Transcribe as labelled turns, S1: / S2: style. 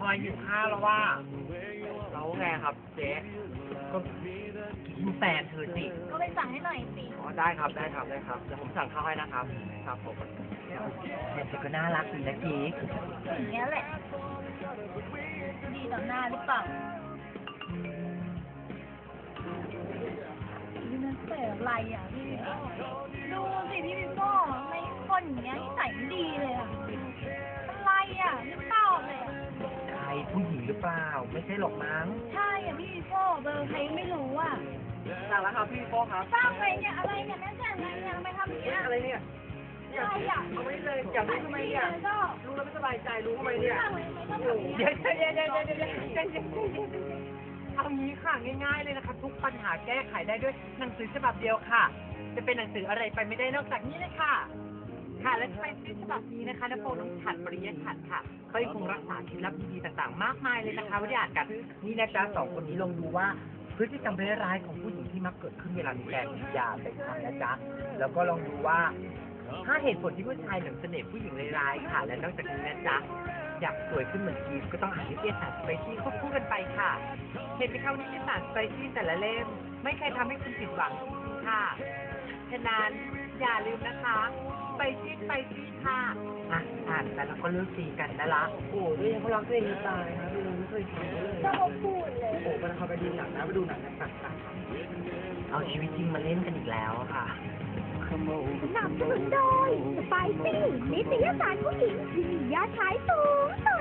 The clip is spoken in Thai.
S1: อยหิวข้าวแล้วว่าแล้วไงครับเจ๊ก็กินแฟนเธอสิ
S2: ก็ไปสั่งให้หน่อยสิ
S1: อ๋อได้ครับได้ครับได้ครับเดี๋ยวผมสั่งข้าวให้นะครับครับผมเนี่ยเธอก็น่ารักดีนะกิ๊ก
S2: อย่างเงี้ยแหละ ดีต่อหน้าหรือเปล่านี่มันเสียอะไรอ่ะพี่วิโก้ดูสิพี่วิโก้ไม่คนอย่างเงี้ยนิสัยไม่ดีเลยอ่ะอะไรอ่ะนึกเปล่าเลยอะ
S1: ใครผู้หญิงหรือเปล่าไม่ใช่หรอกมั้ง
S2: ใช่อ่ะพี่วิโก้เบอร์ใครไม่รู้อ่ะ
S1: สั่งแล้วครับพี่โป้ครับ
S2: สร้างไปเนี่ยอะไรเนี่ยแม่แจ่อะไรเนี่ยทำไมทำอย่างเงี้ย
S1: อะไรเนี่ย
S2: อะไรอ่ะ
S1: เอาไว้เลยอยากรู้ทำไมเนี่ย
S2: ก็
S1: รู้แล้วไม่สบายใจรู้ทำไมเนี่ย
S2: สร้างไปไม่ต้องแบบนี้
S1: เดี๋ยวเอางี้ค่ะง่ายๆเลยนะคะทุกปัญหาแก้ไขได้ด้วยหนังสือฉบับเดียวค่ะ จะเป็นหนังสืออะไรไปไม่ได้นอกจากนี้เลยค่ะ ค่ะและไปซื้อฉบับนี้นะคะนโปน้องฉัดปริยฉัดค่ะเขายังคงรักษาเคล็ดลับดีๆต่างๆ มากมายเลยนะคะไว้ได้อ่านกัน นี่นะจ๊ะสองคนนี้ลองดูว่าพฤติกรรมร้ายๆของผู้หญิงที่มักเกิดขึ้นเวลามีแฟนอย่าไปทำนะจ๊ะแล้วก็ลองดูว่าถ้าเหตุผลที่ผู้ชายหลงเสน่ห์ผู้หญิงร้ายๆค่ะ และนอกจากนี้นะจ๊ะอยากสวยขึ้นเหมือนกีฟก็ต้องอ่านนิตยสารสไปซี่ควบคู่กันไปค่ะเห็นไหมคะว่านิตยสารสไปซี่แต่ละเล่มไม่เคยทำให้คุณผิดหวังจริงๆค่ะฉะนั้นอย่าลืมนะคะไปซี่ค่ะอ่านแต่แล้วก็เลิกตีกันนะละโอ้ยเขารักตัวเองจะตายนะพี่ไม่เคยทำเลย
S2: ก็เขาพูดเลย
S1: โอ้โหมันเขาไปดูหนังนะไปดูหนังกันต่างๆเอาชีวิตจริงมาเล่นกันอีกแล้วอะค่ะ
S2: สนับสนุนโดยสไปซี่นิตยสารผู้หญิงที่มียอดขายสูงสุด